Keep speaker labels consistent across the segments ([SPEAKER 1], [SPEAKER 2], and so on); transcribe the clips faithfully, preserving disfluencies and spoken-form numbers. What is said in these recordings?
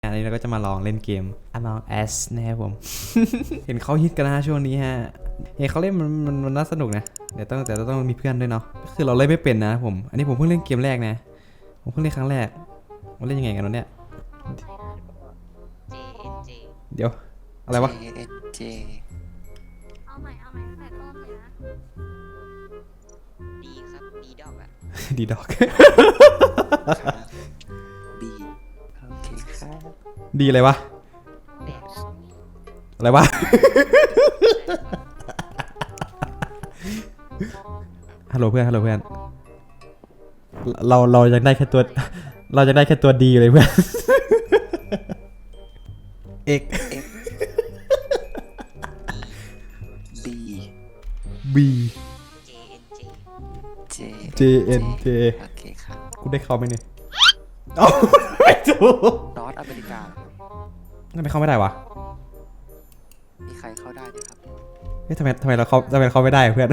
[SPEAKER 1] อันนี้เราก็จะมาลองเล่นเกม Among Us นะครับผม เห็นเขาฮิตกันนะช่วงนี้ฮะเห็นเขาเล่นมันมันมันน่าสนุกนะเดี๋ยวต้องแต่ต้องมีเพื่อนด้วยเนาะคือเราเล่นไม่เป็นนะผมอันนี้ผมเพิ่งเล่นเกมแรกนะผมเพิ่งเล่นครั้งแรกมันเล่นยังไงกันวะเนี่ยเดี๋ยวอะไรวะ
[SPEAKER 2] J N J
[SPEAKER 3] เอาใหม่เอาใหม่ตั้งแต่ต้นเลยนะ
[SPEAKER 2] ดีครับดีดอกอะ
[SPEAKER 1] ดีดอก
[SPEAKER 2] B โอเคครับ
[SPEAKER 1] ดีอะไรวะ
[SPEAKER 2] แดก
[SPEAKER 1] อะไรวะ ฮัลโหลเพื่อนฮัลโหลเพื่อนเราเรายังได้แค่ตัวเราจะได้แค่ตัวดีเลยเพื่อน เอก
[SPEAKER 2] B
[SPEAKER 1] B
[SPEAKER 2] J N J
[SPEAKER 1] J N J
[SPEAKER 2] โอเคครับ
[SPEAKER 1] กูได้เข้าไหมเนี่ยเอ้าไม่ถูก
[SPEAKER 2] นอตอเมริกา
[SPEAKER 1] ทำไมเข้าไม่ได้วะ
[SPEAKER 2] มีใครเข้าได้ไหมครับ
[SPEAKER 1] เฮ้ยทำไมทำไมเราเข้าทำไมเราเข้าไม่ได้เพื่อน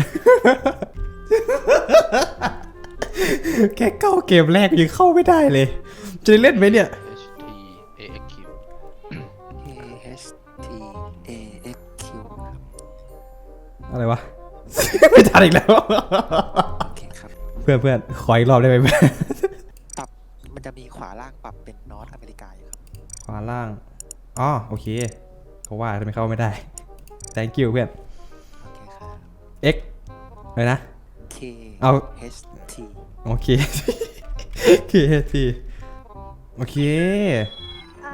[SPEAKER 1] แค่เข้าเกมแรกยังเข้าไม่ได้เลย จะได้เล่นไหมเนี่ย
[SPEAKER 4] H T A X Q
[SPEAKER 2] A H T A X Q ครับ
[SPEAKER 1] อะไรวะ ไม่ทันอีกแล้ว
[SPEAKER 2] โอเคครับ
[SPEAKER 1] เพื่อนเพื่อนขออีกรอบได้ไหมเพื่อน
[SPEAKER 2] ปรับมันจะมีขวาล่างปรับเป็นนอตอเมริกาอยู่ครับ
[SPEAKER 1] ขวาล่าง อ๋อโอเคเขาว่าทำไมเข้าไม่ได้ thank you เพื่อน
[SPEAKER 2] โอเคครับ
[SPEAKER 1] x อะไรนะ
[SPEAKER 2] K
[SPEAKER 1] เอา
[SPEAKER 2] H T
[SPEAKER 1] โอเค k t โอเค
[SPEAKER 3] อ่า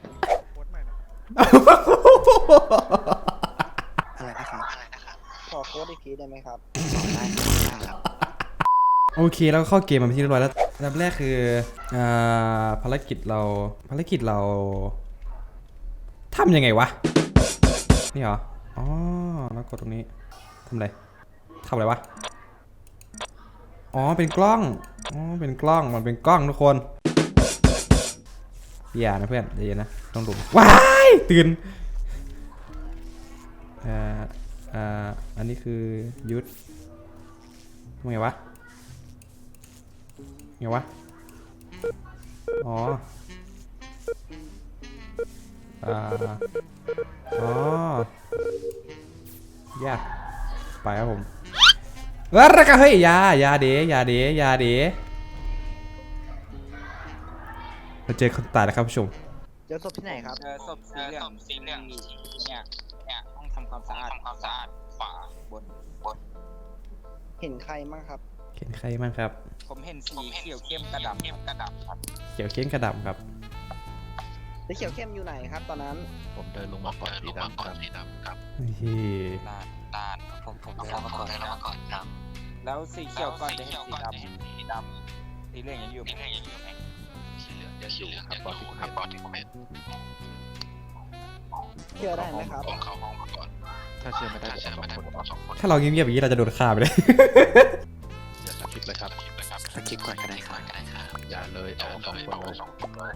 [SPEAKER 2] อะไรนะครับอะไรนะครับ
[SPEAKER 5] ขอโค้ดอีกทีได้ไหมครับ
[SPEAKER 2] ได้ครับได้ครับ
[SPEAKER 1] โอเคแล้วก็เข้าเกมมาเป็นที่เรียบร้อยแล้วอันดับแรกคืออ่าภารกิจเราภารกิจเราทำยังไงวะนี่เหรออ๋อแล้วกดตรงนี้ทำอะไรทำอะไรวะอ๋อเป็นกล้องอ๋อเป็นกล้องมันเป็นกล้องทุกคนอย่านะเพื่อนเดี๋ยวนะต้องดูว้ายตื่นอ่าอ่าอันนี้คือยุทธทำไงวะไงวะ อ๋อ อ่า อ๋อยากไปครับผมแล้วก็เฮ้ยยายาเดยาเดยาเดเราเจอคนตายแล้วครับผู้ชม
[SPEAKER 5] เจอศพที่ไหนครับ
[SPEAKER 6] เจอศพสีเหลืองสีเหลืองเนี่ยเนี่ยห้องทำความสะอาดทำความสะอาดขวาบนบน
[SPEAKER 5] เห็นใครบ้างครับ
[SPEAKER 1] เห็นใครบ้างครับ
[SPEAKER 6] ผมเห็นสีเขียวเข้มกระดำเข้มกระดำครับ
[SPEAKER 1] เขียวเข้มกระดำครับ
[SPEAKER 5] สีเขียวเข้มอยู่ไหนครับ ตอนนั้น
[SPEAKER 4] ผมเดินลงมาก่อนสีดำครับ
[SPEAKER 1] เฮ้ย
[SPEAKER 6] นานนาน
[SPEAKER 2] ผมผมได้รับมาก่อนได้รับมาก่อนครับ
[SPEAKER 6] แล้วสีเขียวก่อนจะเห็นสีดำสีดำสีเหลืองยังอยู่ไหมยังอยู่ไหม
[SPEAKER 4] สีเหลืองยังอยู่ครับบอดี้ครับบอดี้เมน
[SPEAKER 5] เชื่อได้ไหมครับ
[SPEAKER 4] ผมเข้าห้องมาก่อนถ้าเชื่อไม่ได้ผมสองคนสองคน
[SPEAKER 1] ถ้าเราเงียบๆอย่างนี้เราจะโดนฆ่าไปเลย
[SPEAKER 4] อย่าสกิปเลยครับ
[SPEAKER 2] สกิปก่อนก็ได้ครับก็ได้ครับ
[SPEAKER 4] อย่าเลยเอาสองคนเลยสองคนเลย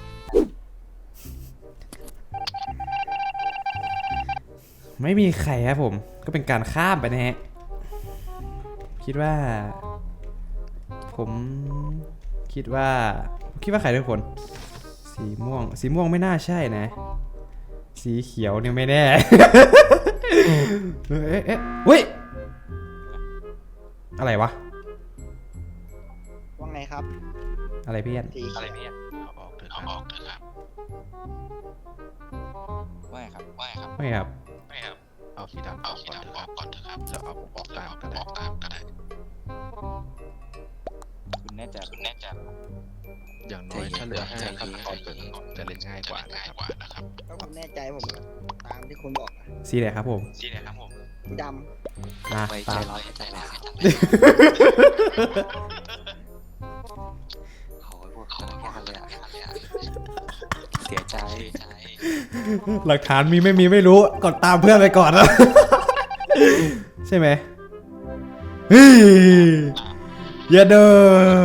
[SPEAKER 1] ไม่มีใครครับผม ก็เป็นการข้ามไปนะฮะ คิดว่า ผมคิดว่าคิดว่าใครทุกคน สีม่วง สีม่วงไม่น่าใช่นะ สีเขียวเนี่ยไม่แน่ เอ๊ะเอ๊ะเฮ้ย อะไรวะ
[SPEAKER 5] ว่าไงครับ
[SPEAKER 1] อะไรเพี่อน
[SPEAKER 5] สีเขียว
[SPEAKER 4] อะไรเนี่ยเอาออกเถอะครับออกเถอะครับ
[SPEAKER 6] ว่าไงครับว่าไงครับ
[SPEAKER 1] ไม่ครับ
[SPEAKER 4] ไม่ครับเอาสีดำเอาสีดำออกก่อนเถอะครับแล้วเอาผมออกตามก็ได้ออกตามก็ได้
[SPEAKER 6] คุณแน่ใจคุณแน่ใจ
[SPEAKER 4] อย่างน้อยถ้าเหลือห้าขั้นตอนจะเล่นง่ายกว่านะครับ
[SPEAKER 5] ถ้าผมแน่ใจผมตามที่คุณบอกอะ
[SPEAKER 1] สีไหนครับผม
[SPEAKER 6] สีไหนครับผม
[SPEAKER 5] สีด
[SPEAKER 1] นะ
[SPEAKER 2] ไว้ใจ
[SPEAKER 1] ตาม
[SPEAKER 2] ร้อยใจร้อยเขาพวกเขาแค่กันเลยอะเสียใจ
[SPEAKER 1] หลักฐานมีไม่มีไม่รู้กดตามเพื่อนไปก่อนแล้ว ใช่ไหมเฮ้ยอย่าเด้อ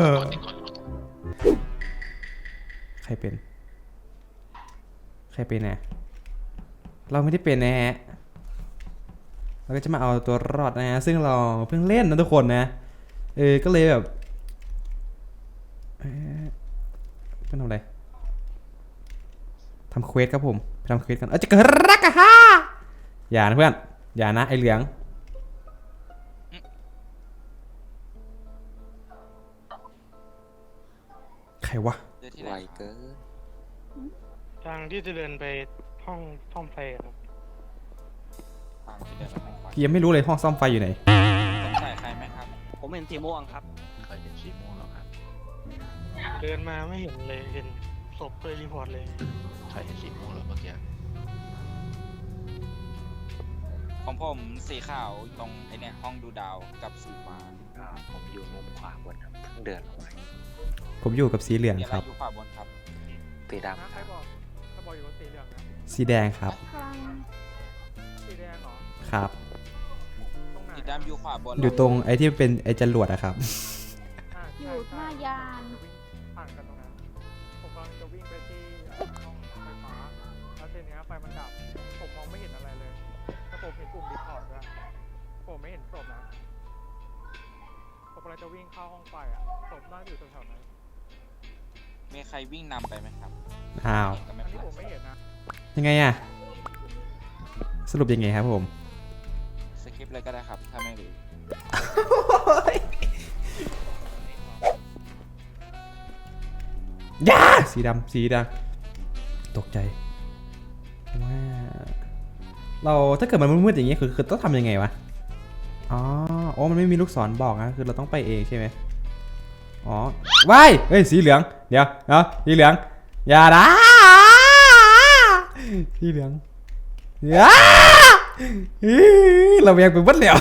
[SPEAKER 1] ใครเป็น ใครเป็นนะเราไม่ได้เป็นนะฮะเราก็จะมาเอาตัวรอดนะฮะซึ่งเราเพิ่งเล่นนะทุกคนนะเออก็เลยแบบเอ๊ะเป็นอะไรทำเควสครับผมไปทำเควสกันเออจะเกิดรักอะฮะอย่านะเพื่อนอย่านะไอเหลืองใครวะ
[SPEAKER 6] เจอที่
[SPEAKER 2] ไว
[SPEAKER 6] ไหน
[SPEAKER 2] เกิน
[SPEAKER 7] ทางที่จะเดินไปห้องห้องไฟครับ
[SPEAKER 6] ทางที่เดินไปห้องไฟ
[SPEAKER 1] พี่ยังไม่รู้เลยห้องซ่อมไฟอยู่ไหน
[SPEAKER 6] สงสัยใครไหมครับ
[SPEAKER 5] ผมเห็นสีม่วงครับ
[SPEAKER 4] เคยเห็นสีม่วงแล้วครับ
[SPEAKER 7] เดินมาไม่เห็นเลยเห็นศพเลยรีพอร์ตเลย
[SPEAKER 4] ใครเห็นสีม่วงแล้วเมื่อกี้
[SPEAKER 6] ของผมสีขาวตรงไอเนี่ยห้องดูดาวกับสีฟ้า
[SPEAKER 2] อ่าผมอยู่มุมขวาบนครับเพิ่งเดินลงมา
[SPEAKER 1] ผมอยู่กับสีเหลือง
[SPEAKER 6] เดี๋ยว
[SPEAKER 1] ค
[SPEAKER 6] เรา
[SPEAKER 1] รับ
[SPEAKER 6] อยู่ขวาบนครับ
[SPEAKER 2] สีดำครับ
[SPEAKER 7] ถ้าบอกอยู่ว่าสีเหลืองนะ
[SPEAKER 1] สีแดงครับ
[SPEAKER 3] กำลัง
[SPEAKER 7] สีแดงเหรอ
[SPEAKER 1] ครับ
[SPEAKER 7] ตรงไหน
[SPEAKER 6] สีดำอยู่ขวาบน
[SPEAKER 1] อยู่ตรงไอ้ที่เป็นไอ้จรวดอะครับ
[SPEAKER 7] อ่า
[SPEAKER 3] อ
[SPEAKER 7] ใช่
[SPEAKER 3] ยู่ห
[SPEAKER 7] ใช่
[SPEAKER 3] น้ายาน
[SPEAKER 7] จะวิ่งผ่านกันตรงนั้นผมกำลังจะวิ่งไปที่ห้องไฟฟ้าแล้วทีเนี้ยไฟมันดับผมมองไม่เห็นอะไรเลยแต่ผมเห็นปุ่มรีพอร์ตด้วยผมไม่เห็นศพนะผมกำลังจะวิ่งเข้าห้องไฟอ่ะศพน่าจะอยู่แถวๆนั้น
[SPEAKER 6] มีใครวิ่งนำไปไหมครับ
[SPEAKER 1] อ้าว
[SPEAKER 6] เห็นก็ไม่
[SPEAKER 7] อัน
[SPEAKER 6] เป็น
[SPEAKER 7] นี้
[SPEAKER 6] ไร
[SPEAKER 7] ผมไม่เห็นนะ
[SPEAKER 1] ยังไงอะสรุปยังไงครับผม
[SPEAKER 6] สกิปเลยก็ได้ครับ ถ้าไม่รู้
[SPEAKER 1] ย่าสีดำสีดำตกใจว่าเราถ้าเกิดมันมืดๆอย่างงี้คือคือต้องทำยังไงวะอ๋อโอ้มันไม่มีลูกศรบอกนะคือเราต้องไปเองใช่ไหมอ๋อว้ายเฮ้ยสีเหลืองเดี๋ยวเนาะสีเหลืองอย่านะสีเหลืองอย่าอื้อเราแยงไปวัดแล้ว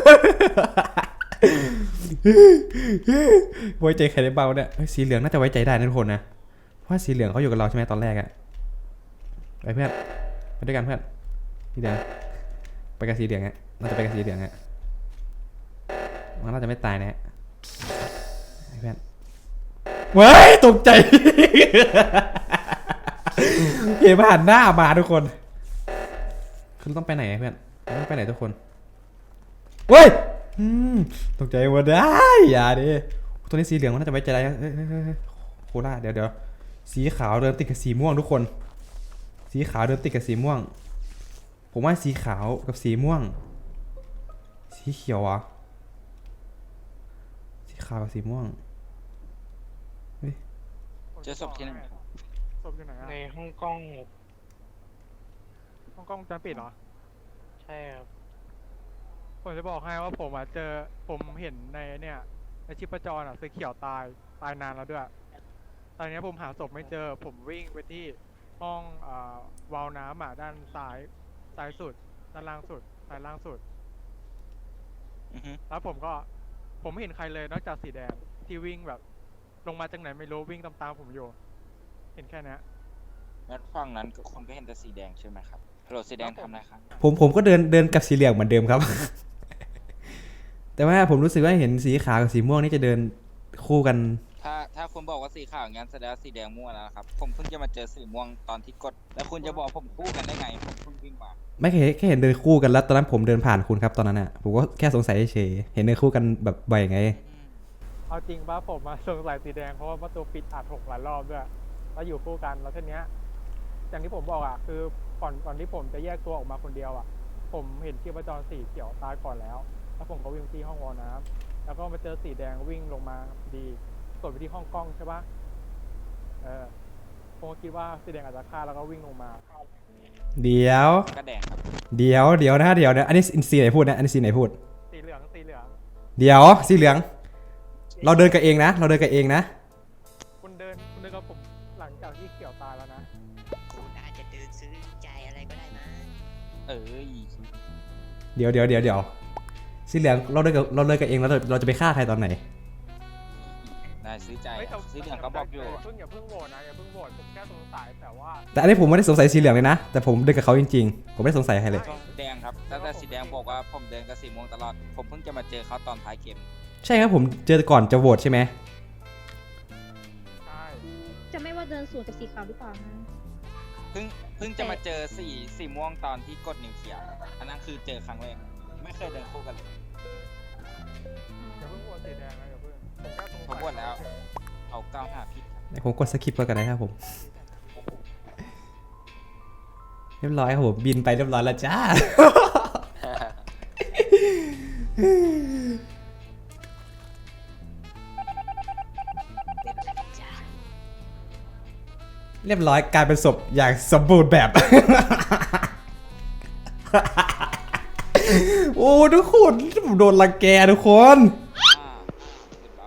[SPEAKER 1] ไว้ใจใครได้เบาเนี่ยเฮ้ยสีเหลืองน่าจะไว้ใจได้นะทุกคนนะเพราะว่าสีเหลืองเขาอยู่กับเราใช่ไหมตอนแรกอะไปเพื่อนไปด้วยกันเพื่อนสีเหลืองไปกับสีเหลืองฮะน่าจะไปกับสีเหลืองฮะมันน่าจะไม่ตายนะฮะไปเพื่อนเว้ยตกใจ เห็นผ่านหน้ามาทุกคนคือต้องไปไหนอะเพื่อนเราต้องไปไหนทุกคนเว้ยอืมตกใจหมดได้อย่าดิตัวนี้สีเหลืองมันน่าจะไว้ใจได้เอ้ยเอ้ยเอ้ยเอ้ยโคล่าเดี๋ยวเดี๋ยวสีขาวเดินติดกับสีม่วงทุกคน สีขาวเดินติดกับสีม่วง ผมว่าสีขาวกับสีม่วง สีเขียวอ่ะสีขาวกับสีม่วงเฮ้ย
[SPEAKER 6] เจอศพที่ไหน
[SPEAKER 7] ศพอยู่ไหนอะในห้องกล้องห้องกล้องวงจรปิดเหรอใช่ครับผมจะบอกให้ว่าผมอ่ะเจอผมเห็นในเนี่ยในชีพจรอ่ะสีเขียวตายตายนานแล้วด้วยตอนนี้ผมหาศพไม่เจอผมวิ่งไปที่ห้องอ่าวาล์วน้ำอ่ะด้านซ้ายซ้ายสุดด้านล่างสุดซ้ายล่างสุด
[SPEAKER 6] อือฮึ
[SPEAKER 7] แล้วผมก็ผมไม่เห็นใครเลยนอกจากสีแดงที่วิ่งแบบ ลงมาจากไหนไม่รู้วิ่งตามๆผมอยู่ เห็นแค่เนี้ย
[SPEAKER 6] งั้นฝั่งนั้นก็คนก็เห็นแต่สีแดงใช่ไหมครับฮัลโหลสีแดงทำอะไรครับ
[SPEAKER 1] ผมผมก็เดินเดินกับสีเหลืองเหมือนเดิมครับ แต่ว่าผมรู้สึกว่าเห็นสีขาวกับสีม่วงนี่จะเดินคู่กัน
[SPEAKER 6] ถ้าถ้าคุณบอกว่าสีขาวงั้นแสดงว่าสีแดงมั่วแล้วนะครับ ผมเพิ่งจะมาเจอสีม่วงตอนที่กด แล้วคุณจะบอกผมคู่กันได้ไง ผมเพิ่งวิ่งมา
[SPEAKER 1] ไม่เคยแค่เห็นเดินคู่กันแล้วตอนนั้นผมเดินผ่านคุณครับตอนนั้นอ่ะผมก็แค่สงสัยเฉยๆเห็นเดินคู่กันแบบบ่อยไง
[SPEAKER 7] เอาจริงป่ะผมมาสงสัยสีแดงเพราะว่าประตูปิดอัดหกหลายรอบด้วยแล้วอยู่คู่กันแล้วทีเนี้ยอย่างที่ผมบอกอ่ะคือก่อนก่อนที่ผมจะแยกตัวออกมาคนเดียวอ่ะ ผมเห็นชีพจรสีเขียวตายก่อนแล้ว แล้วผมก็วิ่งที่ห้องวอน้ำแล้วก็มาเจอสีแดงวิ่งลงมาดีกดไปที่ห้องกล้องใช่ปะเออผมก็คิดว่าสีแดงอาจจะฆ่าแล้วก็วิ่งลงมา
[SPEAKER 1] เดี๋ยว
[SPEAKER 6] ก็แดงครับ
[SPEAKER 1] เดี๋ยวเดี๋ยวนะเดี๋ยวนะอันนี้สีไหนพูดนะอันนี้สีไหนพูด
[SPEAKER 7] สีเหลืองสีเหลือง
[SPEAKER 1] เดี๋ยวสีเหลือง เราเดินกันเองนะ เราเดินกันเองนะ
[SPEAKER 7] คุณเดินคุณเดินกับผมหลังจากที่เขียวตายแล้วนะ
[SPEAKER 8] คุณอาจจะเดินซื้อใจอะไรก็ได้นะ
[SPEAKER 6] เอ้ย
[SPEAKER 1] เดี๋ยวเดี๋ยวเดี๋ยวเดี๋ยวสีเหลืองเราเดินกับเราเดินกันเองแล้วเราเราจะไปฆ่าใครตอนไหน
[SPEAKER 6] นายซื้อใจ
[SPEAKER 7] เฮ้ยแต่
[SPEAKER 6] สีเหลืองก็บอกอยู่
[SPEAKER 7] เพิ่งอย่าเพิ่งโหวตนะอย่าเพิ่งโหวตผมแค่สงสัยแต่ว่า
[SPEAKER 1] แต่อันนี้ผมไม่ได้สงสัยสีเหลืองเลยนะ แต่ผมเดินกับเขาจริงๆ ผมไม่ได้สงสัยใครเลย
[SPEAKER 6] แดงครับตั้งแต่สีแดงบอกว่าผมเดินกับสีม่วงตลอด ผมเพิ่งจะมาเจอเขาตอนท้ายเกม
[SPEAKER 1] ใช่ครับผมเจอก่อนจะโหวตใช่ไหม
[SPEAKER 7] ใช่
[SPEAKER 3] จะไม่ว่าเดินสวนกับสีขาวหรือเปล่านะ
[SPEAKER 6] เพิ่งเพิ่งจะมาเจอสีสีม่วงตอนที่กดนิวเคลียร์อันนั้นคือเจอครั้งแรก ไม่เคยเดินคู่กันเลย
[SPEAKER 7] อย่าเพิ่งโหวตสีแดงนะอย่าเพิ่งผมแค่สงสัย
[SPEAKER 6] ผมโหวตแล้ว เอาก้าวหาผิดครับ
[SPEAKER 1] ผมกดสคิปไปกันนะครับผมเรียบร้อยครับผมบินไปเรียบร้อยแล้วจ้า
[SPEAKER 8] จ้า
[SPEAKER 1] เรียบร้อยกลายเป็นศพอย่างสมบูรณ์แบบ โอ้ทุกคนผมโดนรังแกทุกคน